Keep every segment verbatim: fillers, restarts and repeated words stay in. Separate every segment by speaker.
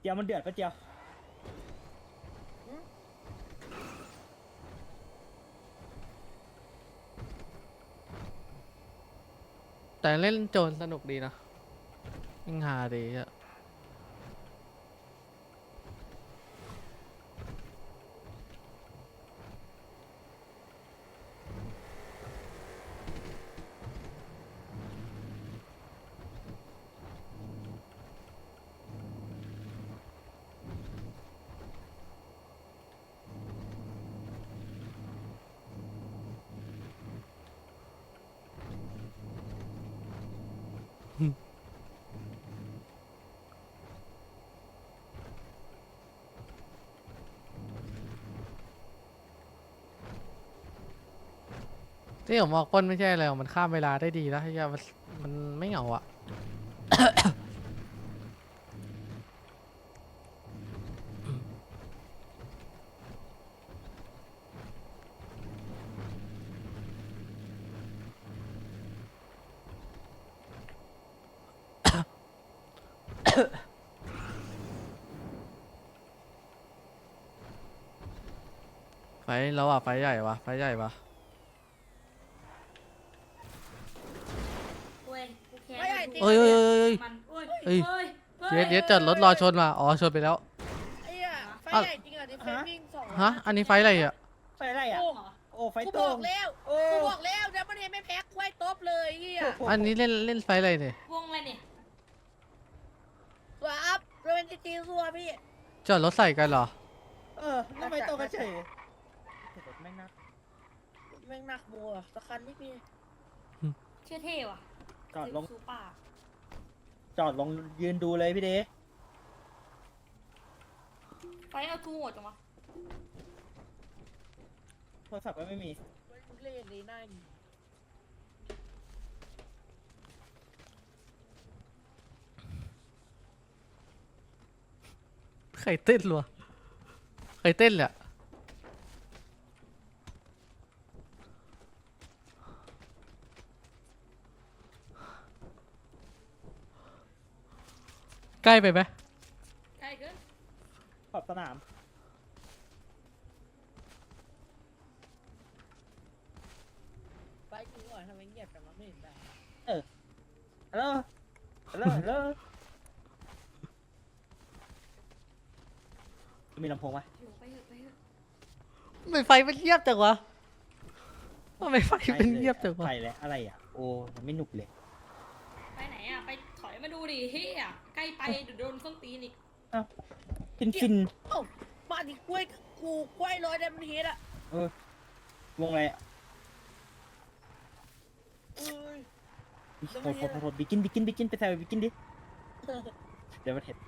Speaker 1: เจียวมันเดือดปะเจียว
Speaker 2: แต่เล่นโจรสนุกดีนะยิงหาดีอะที่ผมบอกปล้นไม่ใช่อะไรหรอกมันข้ามเวลาได้ดีแล้วที่จะมันมันไม่เหงาอะ ไฟเราอะไฟใหญ่วะไฟใหญ่ปะ
Speaker 3: เว้ยกูแค้น
Speaker 4: ไม่ใหญ่จริง
Speaker 2: เอ้ยเอ้ยเอ้ยเอ้ย
Speaker 3: มันเอ้ย
Speaker 2: เอ้ย
Speaker 3: เอ้ย
Speaker 2: เย็ดเย็ดจอดรถรอชนมาอ๋อชนไปแล้ว
Speaker 4: ไอ้อะไฟ
Speaker 2: อ่ะ
Speaker 4: ใหญ่จริงเหรอที่เฟซวิ่งสอง
Speaker 2: ฮะอันนี้ไฟอะไรอะ
Speaker 1: ไฟอะไรอ่ะ
Speaker 4: โอ้
Speaker 1: โอ้ไฟ
Speaker 4: กู
Speaker 1: โต
Speaker 4: บอกแล้ว
Speaker 1: โอ้
Speaker 4: กูบอกแล้วเดี๋ยวมันเห็นไม่แพ้ควายตบเลยเฮีย
Speaker 2: อันนี้เล่นเล่นไฟอะไรเนี่ย
Speaker 3: วงอะไรเนี่ย
Speaker 4: สวอัพเรเวนจีจีซัวพี่
Speaker 2: จอดรถใส่กันเหรอ
Speaker 1: เออทำไมโตกันเฉยรถแม่งน่า
Speaker 4: แม่งหนักบัวตะคันนี่พี่
Speaker 3: เชื่อเท่ว่ะ
Speaker 1: จอดลง
Speaker 3: ซูป่า
Speaker 1: จอดลงยืนดูเลยพี่เด
Speaker 3: ไฟเอาทูหมดจังวะ
Speaker 1: โทรศัพท์ก็ไม่มี
Speaker 4: มึงเล่นเลยหน้าหนี
Speaker 2: ใครเต้นรัวใครเต้นแหละใกล้ไปไหม
Speaker 3: ใกล้เกิน
Speaker 1: ขอบสนาม
Speaker 4: ไปจริงเหรอทำไมเงียบจังวะไม่เห็นได้
Speaker 1: ฮัลโหลฮัลโหลฮัลโหลมีลำโพงไหม
Speaker 3: เดี๋ยวไปเถอะไปเถอะ
Speaker 2: ทำไมไฟมันเงียบจังวะทำไมไฟมันเงียบจังวะ
Speaker 1: ไฟแล้วอะไรอ่ะโอ้มันไม่หนุกเลย
Speaker 3: ไปไหนอ่ะไปถอยมาดูดิเฮียใกล้ไปเดี๋ยวโดนส้นตีนอีก
Speaker 1: ฟินฟิน
Speaker 4: เอ้ามาดิกล้วยกูกล้วยลอยได้มันเฮ็ดอะ
Speaker 1: เออวงอะไรอ่ะ
Speaker 4: เอ้ย
Speaker 1: โทษโทษโทษบิกินบิกินบิกินไปใส่บิกินดิเดี๋ยวมาเห็น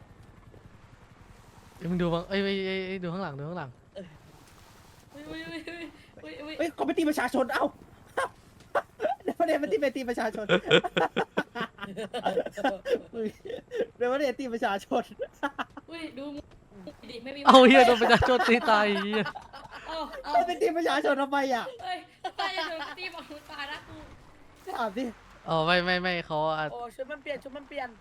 Speaker 2: เอ้ยมึงดูบ้างเอ้ยเอ้ยเอ้ยเอ้ยดูข้างหลังดูข้างหลัง
Speaker 3: เฮ้ยเฮ้ยเฮ้ยเฮ้ยเฮ้ยเฮ้ย
Speaker 1: เฮ้ยเขาไปตีประชาชนเอ้าเดี๋ยวมาเดี๋ยวมาตีไปตีประชาชนเดี๋ยวมาเดี๋ยวตีประชาชน
Speaker 3: เฮ้ยดูดิไม่มี
Speaker 2: เอาเฮียโดนประชาชนตีตายเฮีย
Speaker 3: เอาเอา
Speaker 1: เขาไปตีประชาชนทำไมอ่ะ
Speaker 3: เฮ้ยตายจะโดนตีบอกมึงตายนะกู
Speaker 1: ถามดิ
Speaker 2: อ๋อไม่ไม่ไม่เขาอ่ะ
Speaker 4: โอ้ชุดมันเปลี่ยนชุดมันเปลี่ยน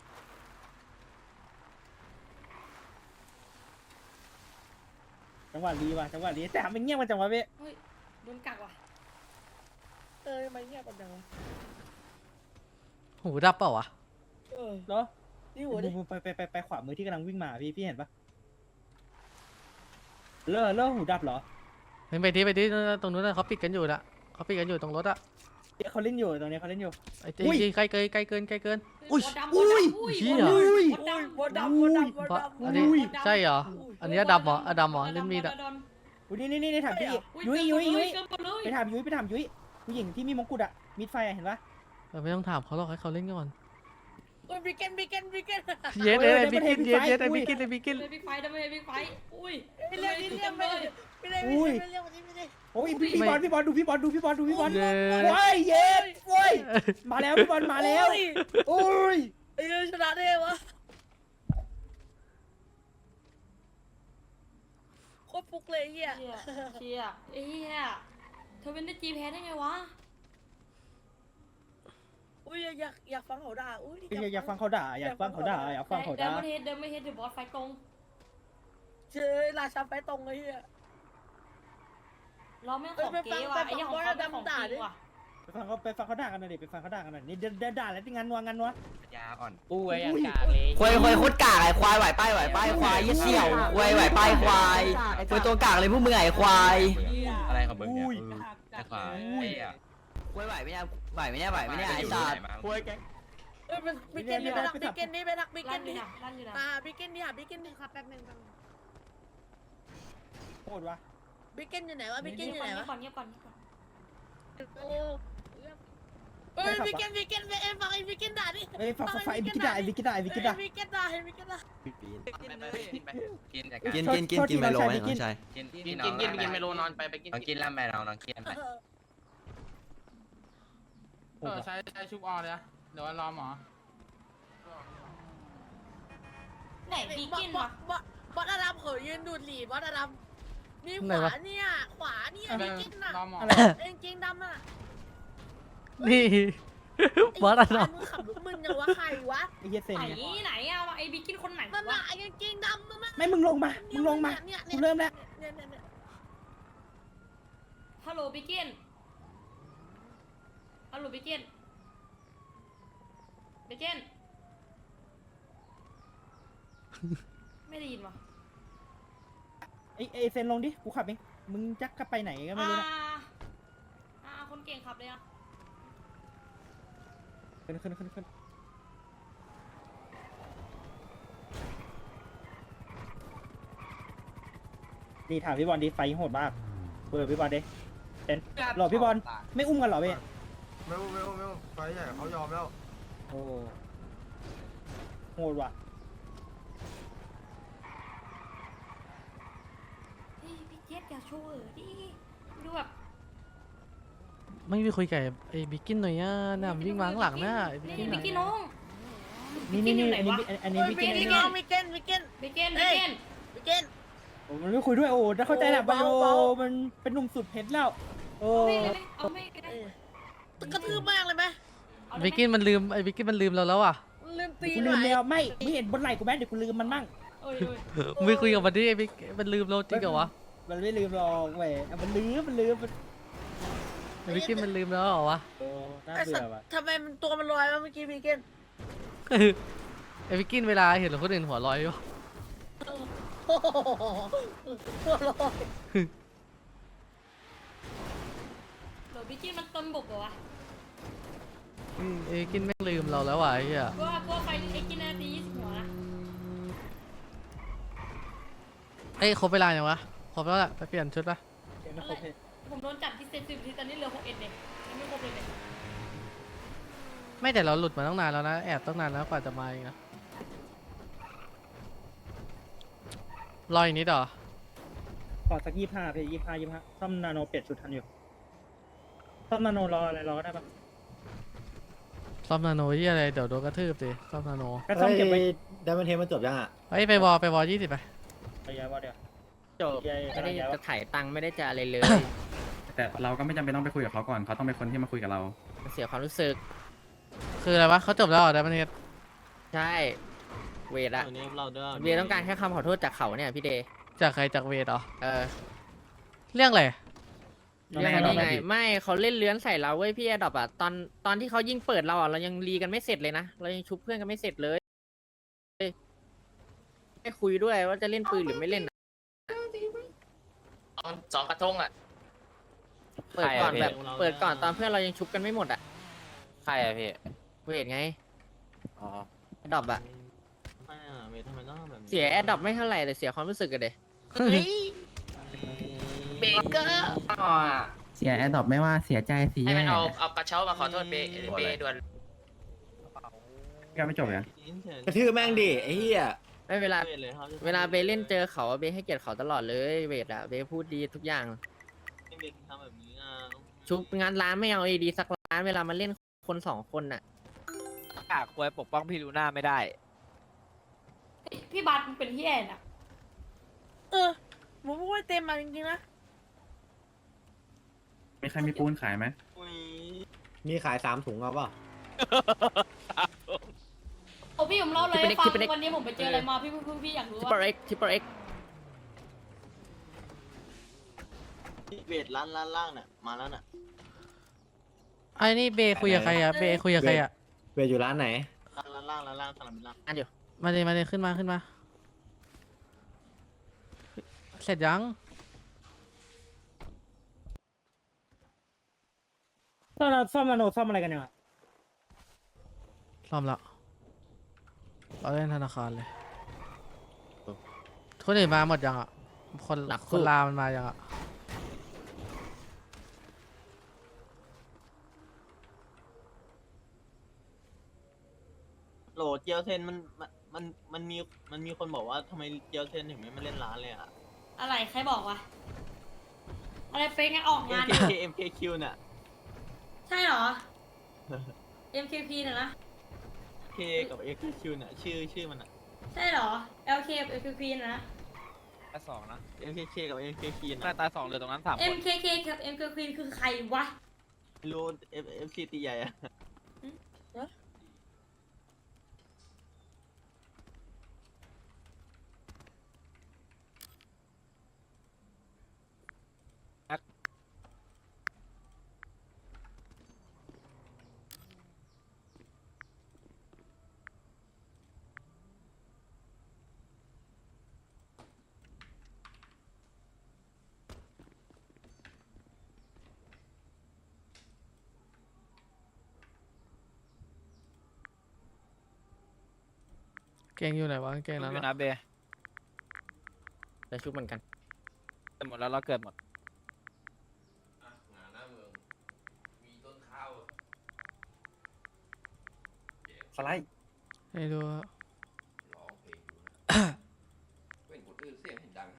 Speaker 1: จังหวะรีว่ะจังหวะรีแต่มันเงียบมาจังหวะเว้ย
Speaker 3: เฮ้ยโดนกักว่ะ
Speaker 4: เออทำไมเงียบกันจังวะ
Speaker 2: หูดับเปล่าวะ
Speaker 4: เออ
Speaker 1: เหรอ
Speaker 4: นี่หัวดิ
Speaker 1: ไปไปไปไปขวามือที่กำลังวิ่งมาพี่พี่เห็นปะเลอะเลอะหูดับเหรอ
Speaker 2: เฮ้ยไปที่ไปที่ตรงนู้นนะเขาปิดกันอยู่นะเขาปิดกันอยู่ตรงรถอะ
Speaker 1: เขาเล่นอยู่ตรงนี้เขาเล่นอยู่
Speaker 2: ไอ้
Speaker 1: อุ้ย
Speaker 2: จริงใกล้เกินใกล้เกินใกล้เกิน
Speaker 3: อุ้
Speaker 2: อุ้
Speaker 3: ย
Speaker 2: ย
Speaker 3: อุ้ย
Speaker 2: เหี้ย
Speaker 1: อุ้ย
Speaker 3: บดดำ
Speaker 4: บดดำบดดำบด
Speaker 2: เพราะ
Speaker 4: ดำ
Speaker 2: อันนี้ใช่เหรออันนี้ดำเหรออะดำเหรอเล่นมีดอะ
Speaker 1: อุ้ยนี่นี่นี่ถามพี่ยุ้ยยุ้ยยุ้ยไปถามยุ้ยไปถามยุ้ยผู้หญิงที่มีมงกุฎอะมิดไฟอะเห็นปะ
Speaker 2: เออไม่ต้องถามเขาหรอกให้เขาเล่นก่อน
Speaker 4: โอ้ยบิเกนบิเกนบิเกน
Speaker 2: เย็ดเลยบิกินเย็ดเย็ดไอ้บิกินไอ้บิกิน
Speaker 3: เลยบิ๊กไฟทำไมบิ๊กไฟอุ้ย
Speaker 4: ไม่เรียกไม่เรียกไม่เรียกไม่เรียกไม่เรียกไม่เรียก
Speaker 1: โอ้ยพี่บอลพี่บอลดูพี่บอลดูพี่บอลดูพี่บอล
Speaker 2: เย็ด
Speaker 1: โอ้ยเย็ดโอ้ยมาแล้วพี่บอลมาแล้วโอ้ย
Speaker 4: ไอ้ชนะได้วะโคตรฟุกเลยเฮีย
Speaker 3: เชียเชียเอ้ยเธอเป็นได้จีแพ้ได้ไงวะ
Speaker 4: อุ้ยอยากอยากฟังเขาด่าอุ้ย
Speaker 1: อยากอยากฟังเขาด่าอยากฟังเขาด่าอยากฟังเขา
Speaker 3: เดิ
Speaker 1: ด่าน
Speaker 3: ไม่เฮดเดินไม่เฮดเดี๋ยวบอสไฟตรง
Speaker 4: เจอราชาไฟตรงเลยเฮีย
Speaker 3: เราไม่ของเก๋ว่ะไอ้ยังของเขาเป็นของจริงว่ะ
Speaker 1: ไปฟังเขาไปฟังเขาด่ากันหน่อยดิไปฟังเขาด่ากันหน่อยนี่เดินเดินด่าแล้วที่งานนัวงานนัวย
Speaker 5: าอ่อน
Speaker 6: ปุ้ยอย่างกากเลย
Speaker 7: ควายควายโคตรกากไอ้ควายไหวป้ายไหวป้ายควายยี่เสี่ยวควายไหวป้ายควายควายตัวกากเลยพวกมึงไอ้ควาย
Speaker 5: อะไรของมึงเนี่ยไอ้ควายไอ้อะ
Speaker 7: ควายไหวไหมเนี่ยไหวไหมเนี่ยไหวไหมเนี่ยไอ้สัตว์
Speaker 6: ปุ้ยแก
Speaker 4: เอ้ยมันบิ๊กเกนนี่ไปทักบิ๊กเกนนี่ไปทักบิ๊กเก
Speaker 3: ลั่น
Speaker 4: น
Speaker 3: อยู่
Speaker 4: นี่
Speaker 3: นะลั่นอยู่นะ
Speaker 4: อ่าบิ๊กเกนนี่หาบิ๊กเกนนี่ครับแป๊บนึง
Speaker 1: โคตรวะ
Speaker 4: บิ๊กเกนอยู่ไหนวะบิ๊กเกนอยู่ไหน
Speaker 3: เงี
Speaker 4: วะ
Speaker 3: ยบก่อนเงียบก่อนเงียบก่อน
Speaker 4: โอ้เอ้ยบิ๊กเกนบิ๊กเกนเอ้ยฟังไอ้บิ๊กเกนด่าดิ
Speaker 1: เอ้ยฟังฟังไอ้วิกิด่าไอ้วิกิด่าไอ้วิกิด่า
Speaker 4: บิ๊กเกนด่าไอ้บิ๊กเกนด่า
Speaker 5: กินไปกิน
Speaker 7: กินกินกินกินไปลงไหมน้องชาย
Speaker 5: กิน
Speaker 6: กินกินกินกินเมโลนอนไปไปกิน
Speaker 5: ลองกินล่ำไปลองลองกินไป
Speaker 2: เออใช้ใช้ชุบออเลยนะเดี๋ยวรอหมอ
Speaker 3: ไหนบี
Speaker 4: บอ
Speaker 3: กิ
Speaker 4: ส
Speaker 3: น
Speaker 4: บอ
Speaker 3: วะ
Speaker 4: สบอสบอสอารัมเขายืนดูดหลีบอสอารัมนี่ขวาเนี่ยขวาเนี่ยบิ๊กเกนน่ะ
Speaker 2: รอหมอ
Speaker 1: อะไร
Speaker 4: เอ็งเกงดำอ่ะ
Speaker 2: นี่ บอสอะเนาะ
Speaker 4: มึงขับรถมึงยังวะใครวะ
Speaker 1: ไอ้เหี้ยเซน
Speaker 3: ไหน
Speaker 1: เนี่ย
Speaker 3: ไหนอะไอ้บีกินคนไหน
Speaker 4: นั่น
Speaker 3: วะ
Speaker 4: น่ะไอ้กางเกงดำนั่นน่ะ
Speaker 1: ไม่มึงลงมามึงลงมา
Speaker 4: เนี่ย
Speaker 1: กูเริ่มแล้ว
Speaker 4: เนี่ยเนี่ยเนี่ย
Speaker 3: ฮัลโหลบีกินฮัลโหลบีกินบีกินไม่ได้ยินวะ
Speaker 1: ไอ้ไอ้เซนลงดิกูขับเองมึงจักกลับไปไหนก็ไม่
Speaker 3: อ่า
Speaker 1: รู้นะ
Speaker 3: อ่าคนเก่งขับเลยอะ
Speaker 1: ขึ้นขึ้นขึ้นขึ้นนี่ถามพี่บอลดิไฟโหดมากเปิดพี่บอลดิเซนหล่อพี่บอลไม่อุ้มกันเหรอเว้ย
Speaker 8: ไม่ไม่ไม่ไฟใหญ่เขายอมแล้ว
Speaker 1: โอ้โหดว่ะ
Speaker 3: เฮ้ยพี่เจี๊ยบอย่าโชว์เออดิดูแบบ
Speaker 2: ไม่ไปคุยกับไอ้บิกกินหน่อยอ่ะน่ะมันวิ่งมาข้างหลังน่ะไอ้บิกกิน
Speaker 3: บิ
Speaker 2: น่ะ
Speaker 3: กกินน้อง
Speaker 1: นี่นี่นี่อันนี้อันนี้
Speaker 4: โอ้ย
Speaker 1: พี่
Speaker 4: บิ๊
Speaker 1: เก
Speaker 4: ก
Speaker 1: น
Speaker 4: เกนบิ๊กเกนบิ๊กเกน
Speaker 3: บิกกินบิกกิน
Speaker 4: บิ๊กเกน
Speaker 1: โอ้มันไม่คุยด้วยโอ้ถ้าเข้าใจแหละ
Speaker 4: โอ้
Speaker 1: ไบโอ
Speaker 4: เบา
Speaker 1: มันเป็นหนุ่มสุดเพชรแล้วโอ้
Speaker 3: เอาไม่เลยไหมเอาไม่เลยไหม
Speaker 4: กระทืบมากเลยไหม
Speaker 3: เอาเลยไหม
Speaker 2: บิกกินมันลืมไอ้บิกกินมันลืมเราแล้วอ่ะ
Speaker 4: ลืมตี
Speaker 1: กู
Speaker 4: ห
Speaker 1: ลื
Speaker 4: น่
Speaker 1: ม
Speaker 4: อย
Speaker 1: แล้วไม่ไม่เห็นบนไหล่กูแม่เดี๋ยวกูลืมมันมั่ง
Speaker 3: เอ้ยเอ้ย
Speaker 2: ไม่คุยกับมันดิไอ้บิกมันลืมเราจริงเหรอวะ
Speaker 1: มันไม่ลืมหรอกเว้ยมันลืมมันลืมมัน
Speaker 2: ไอ้บิกกินมันลืมแล้วเหรอวะ
Speaker 1: โอ้น่า
Speaker 4: ไอ้สั
Speaker 1: เบื่
Speaker 4: ต
Speaker 1: อ
Speaker 4: ว์
Speaker 1: ว่ะ
Speaker 4: ทำไมมันตัวมันลอยมาเมื่อกี้บิ๊กเกน
Speaker 2: ไอ้บิกกินเวลาเห็นคนอื่นหัวลอยอยู่
Speaker 4: โอ้โหตัวลอย
Speaker 3: เดี๋ยวบิกกินมันต้นบุกเหรอวะ
Speaker 2: ไอ้บิกกินไม่งลืมเราแล้วว่ะไอ้เหี้ย
Speaker 3: กลัวกลัวไฟไอ้กินนาทียี่สิบหัวนะ
Speaker 2: เอ้ยครบเวลายังวะครบแล้วแหละไปเปลี่ยนชุดปะ
Speaker 1: เดี๋ยวนะครบเพชร
Speaker 3: ผมโดนจับที่เซนซิทีตอนนี้เหลือหกเอ็ดเองยังไม่ครบเลยเนี่ย
Speaker 2: ไม่แต่เราหลุดมาตั้งนานแล้วนะแอบตั้งนานแล้วกว่าจะมาเองนะรออีกนิดเหรอ
Speaker 1: ขอสักยี่ห้าเพชรยี่ห้ายี่ห้าซ่อมนาโนเปลี่ยนชุดทันอยู่ซ่อมนาโนรออะไรรอก็ได้ปะ
Speaker 2: ซ่อมนาโนที่อะไรเดี๋ยวโดนกระทืบสิซ่อมนาโน
Speaker 1: ก็ซ่อมเก็บไว้
Speaker 8: ดัมเบิลเทมันจบยังอ่ะ
Speaker 2: เฮ้ยไปวอไปวอยี่สิบไป
Speaker 1: ไปย้ายว่าเดี๋ยว
Speaker 6: จบ
Speaker 1: ย้าย
Speaker 6: ไม่ได้
Speaker 1: ย้าย
Speaker 6: จะถ่ายตังค์ไม่ได้จะอะไรเลย
Speaker 9: แต่เราก็ไม่จำเป็นต้องไปคุยกับเขาก่อน เขาต้องเป็นคนที่มาคุยกับเรา
Speaker 6: มันเสียความรู้สึก
Speaker 2: คืออะไรวะเขาจบแล้วเหรอได้ประเทศ
Speaker 6: ใช่เวทอะเวทต้องการแค่คำขอโทษจากเขาเนี่ยพี่เดย์
Speaker 2: จากใครจากเวทเหรอ
Speaker 6: เออ
Speaker 2: เรื่องอะไร
Speaker 6: เรื่องนี้ไงไม่เขาเล่นเลื้อนใส่เราเว้ยพี่แอดอบอะตอนตอนที่เขายิงเปิดเราอะเรายังรีกันไม่เสร็จเลยนะเรายังชุบเพื่อนกันไม่เสร็จเลยไม่คุยด้วยว่าจะเล่นปืนหรือไม่เล่น
Speaker 5: สองกระทงอ่ะ
Speaker 6: เปิดก่อนแบบเปิดก่อนตอนเพื่อนเรายังชุบกันไม่หมดอะ
Speaker 5: ใครอะพี่
Speaker 6: เวทไง
Speaker 5: อ๋อ
Speaker 6: แอดอบอะเสียแอดอบไม่เท่าไหร่แต่เสียความรู้สึกกันเลย
Speaker 5: เบเกอร์อ๋อ
Speaker 9: เสียแอดดอปไม่ว่าเสียใจเสีย
Speaker 5: ให้
Speaker 9: แย่
Speaker 5: มันเอาเอากระเช้ามาขอโทษเบเบด่วน
Speaker 9: ก็ไม่จบยัง
Speaker 8: กระทืบแม่งดิไอ้เหี้ย
Speaker 6: ไม่เวลาเวลาเบเล่นเจอเขาอะเบให้เกียรติเขาตลอดเลยเวทอะเบพูดดีทุกอย่างชุบงานร้านไม่เอาเอดีสักร้านเวลามาเล่นคนสองคนน่ะ
Speaker 5: กากควายปกป้องพี่ลูน่าไม่ได้
Speaker 3: เฮ้ยพี่บัสมันเป็นเฮียน่ะ
Speaker 4: เออผมพูดเต็มมาจริงๆนะ
Speaker 9: มีใครมีปูนขายไหม
Speaker 8: มีขายสามถุงเอาเปล่า
Speaker 4: เอ
Speaker 3: โอ้พี่ผมเล่าเลยให้ฟังวันนี้ผมไปเจออะไรมาพี่พี่พี่อยากรู้
Speaker 6: ทิป
Speaker 3: ว่า
Speaker 6: เปอร์เอ็กทิปเปอร์เอ็ก
Speaker 5: เวทร้านร้านล่างเนี่ยมาแล้วน่ะ
Speaker 2: ไอ้นี่เบย์คุยกับใครอะเบย์คุยกับใครอะ
Speaker 8: เวทอยู่ร้านไหน
Speaker 5: ร้านล่างร้านล่างสนามบินล่าง
Speaker 6: อันอยู่
Speaker 2: มาเลยมาเลยขึ้นมาขึ้นมา เสร็จยัง
Speaker 1: ซ่อมเราซ่อมนาโนซ่อมอะไรกันเนี่ย
Speaker 2: ซ่อมแล้วเราเล่นธนาคารเลยคนอื่นมาหมดยังอ่ะ คนคนลามันมายังอ่ะ
Speaker 5: โหลเจียวเซนมันมันมันมันมีมันมีคนบอกว่าทำไมเจียวเซนถึงไม่มาเล่นร้านเลยอ่ะ
Speaker 3: อะไรใครบอกวะอะไรเฟกไงออกงาน
Speaker 5: เอ็ม เค เอ็ม เค คิว น่ะ
Speaker 3: ใช่เหรอ เอ็ม เค พี น่ะนะ
Speaker 5: K กับ เอ็ม เค คิว น่ะชื่อชื่อมันอ่ะ
Speaker 3: ใช่เหรอ แอล เค กับ เอ็ม เค พี น่ะนะ
Speaker 10: ตายสองนะ
Speaker 5: เอ็ม เค เค กับ เอ็ม เค คิว
Speaker 10: ตา
Speaker 5: น่ะ
Speaker 10: ยตายสองเหลือตรงนั้นสามคน
Speaker 3: เอ็ม เค เค กับ เอ็ม เค พี คือใครวะ
Speaker 5: ไม่รู้ F F C ตีใหญ่อะ
Speaker 2: เก่งอยู่ไหนวะเก่ง
Speaker 10: ชุ
Speaker 2: นั้
Speaker 10: บ
Speaker 2: น
Speaker 10: อยู่
Speaker 2: อะ
Speaker 10: นะเบย์
Speaker 6: จะชุบเหมือนกัน
Speaker 10: เกิดหมดแล้วเราเกิดหมด
Speaker 9: สไลด์
Speaker 2: ไม่รู้อะ